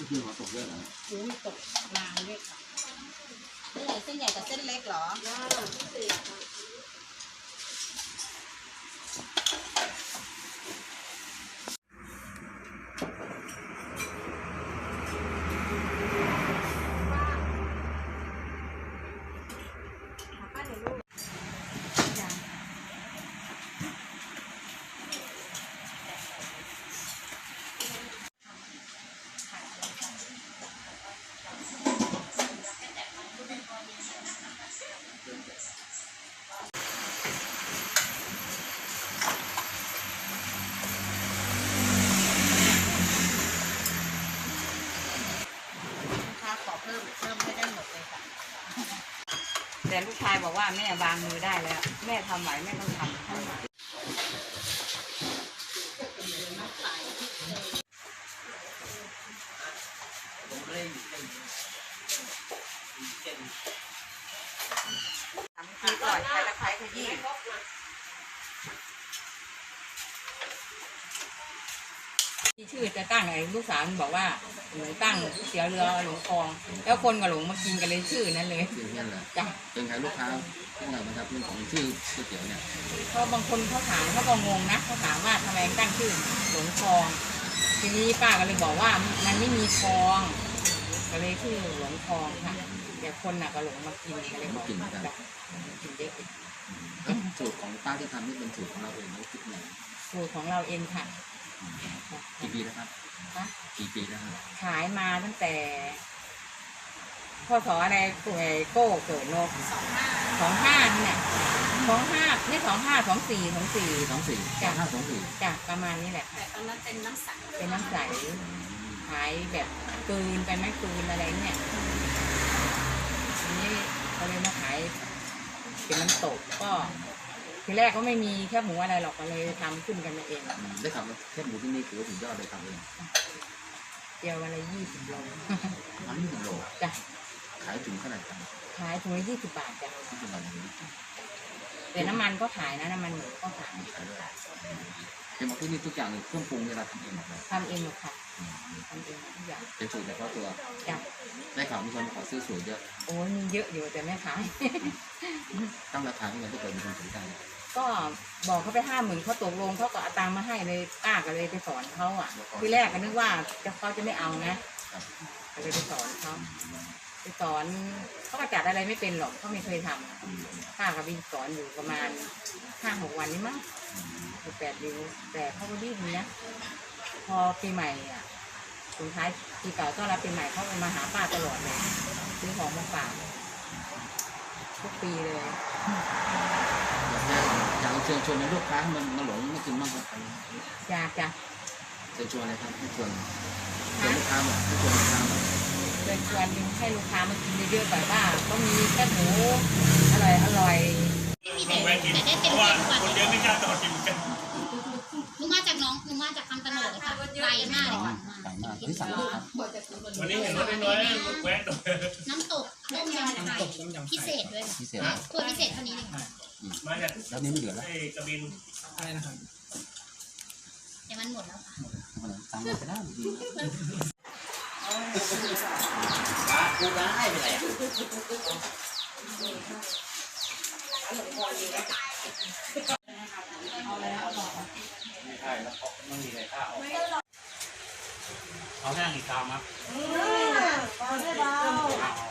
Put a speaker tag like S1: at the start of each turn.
S1: คือหัวตกเยอะเหรอ
S2: หมูตกนานเลยค่ะเส้นใหญ่กับเส้นเล็กเหรอแต่ลูกชายบอกว่าแม่วางมือได้แล้วแม่ทำไหวแม่ต้องทำทีก่อนใช้ตะไคร้ขยี้ที่ชื่อจะตั้งไอ้ลูกสาวบอกว่าหนูตั้งเสียเรือหลงคลองแล้วคนกับหลงมากินกันเลยชื่อนั้นเลย
S1: ชื่อนั่นแหละ
S2: จ้ะ
S1: เป็นใครลูกค้าเท่าไหร่นะครับเรื่องของชื่อก๋วยเตี๋ยวเนี่ย
S2: เพราะบางคนเขาถามเขาก็งงนะเขาถามว่าทำไมตั้งชื่อหลงคลองทีนี้ป้าก็เลยบอกว่ามันไม่มีคลองก็เลยชื่อหลงคลองค่ะแต่คนน่ะก็หลงมากินก็เลยบอกกินเยอะ
S1: สูตรของป้าที่ทำนี่เป็นสูตรของเราเองไม่คิดไหน
S2: สูตรของเราเองค่ะ
S1: กี่ปีแล้วครับกี่ปีแล้วครับ
S2: ขายมาตั้งแต่พศอะไรโก้เกิดโลก25เนี่ย25ไม่24
S1: จ้ะ
S2: จ้ะประมาณนี้แหละ
S3: แต่ตอนนั้นเป็นน้ำใส
S2: ขายแบบกืนไปไม่กืนอะไรเนี่ยทีนี้เขาเลยมาขายเป็นน้ำตกก็ทีแรกก็ไม่มีแค่หมูอะไรหรอกก็เลยทำขึ้นกันมาเอง
S1: ได้ทำแค่หมูที่นี่ถือว่าถึงยอดเลยทำเอง
S2: เดียววันละ20 โล
S1: 20 โล
S2: จ้ะ
S1: ขายถุงเท่าไหร่ครับ
S2: ขายถุงละ20 บาทจ้ะแต่น้ำมันก็ขายนะน้ำมันหมูก็ขาย
S1: เห็นบอกที่นี่ทุกอย่างเครื่องปรุงเวลาทำเองหมดเลย
S2: ทำเองหมดค่ะทำเองทุกอย่าง
S1: เป็นสูตรเฉพาะตัว
S2: จ้ะ
S1: ได้ข่าวมีคนขอซื้อสูตรเยอะ
S2: โอ้มีเยอะอยู่แต่ไม่ขาย
S1: ตั้งราคาที่ไหนถ้าเกิดมีคนสนใจ
S2: ก็บอกเขาไป50,000เขาตกลงเขาก็เอาตังค์มาให้เลยป้าก็เลยไปสอนเขาอ่ะทีแรกก็นึกว่าเขาจะไม่เอานะก็เลยไปสอนเขาเขาก็จัดอะไรไม่เป็นหรอกเขาไม่เคยทำป้าก็ไปสอนอยู่ประมาณ5-6 วันนี้มั้ง8 เดือนแต่เขาก็ดีนะพอปีใหม่อ่ะสุดท้ายปีเก่าต้อนรับปีใหม่เขามาหาป้าตลอดเลยซื้อของมาฝากทุกปีเลย
S1: อยากเชิญชวนให้ลูกค้ามาหลงมากินมากกว่า
S2: อยากจะ
S1: เชิญชวนอะไรครับให้ชวนลูกค้ามาให้ชวนลูกค้ามา
S2: เชิญชวนให้ลูกค้ามากินเยอะๆแบบว่าก็มีแค่หมูอร่อย
S3: ไม่มีแต่ได้เต็มกว่าคนเยอะไม่กล้าต่อกินกันลุงมาจากคำตะโนดค่ะไกลมากเลยค่ะ
S1: ที่สั่งครับ
S4: วันนี้เห็นรถน้อยๆแวะตัว
S3: น้ำตกต้มยำไข่พิเศษด้วยตัวพิเศษเท่านี้เลย
S4: มาจาก
S1: แล้วนี้ไม่เหลือแล้ว
S4: กระบิน
S2: ใช่นะครับ
S3: แต่มันหมดแล้วค่ะ
S1: สั่งมาได้ดี
S4: กูร้ายไปไหนไม่ใช่แล้วไม่มีใครข้าวเอาแห้งอีกคำครับ
S2: เอาได้เบา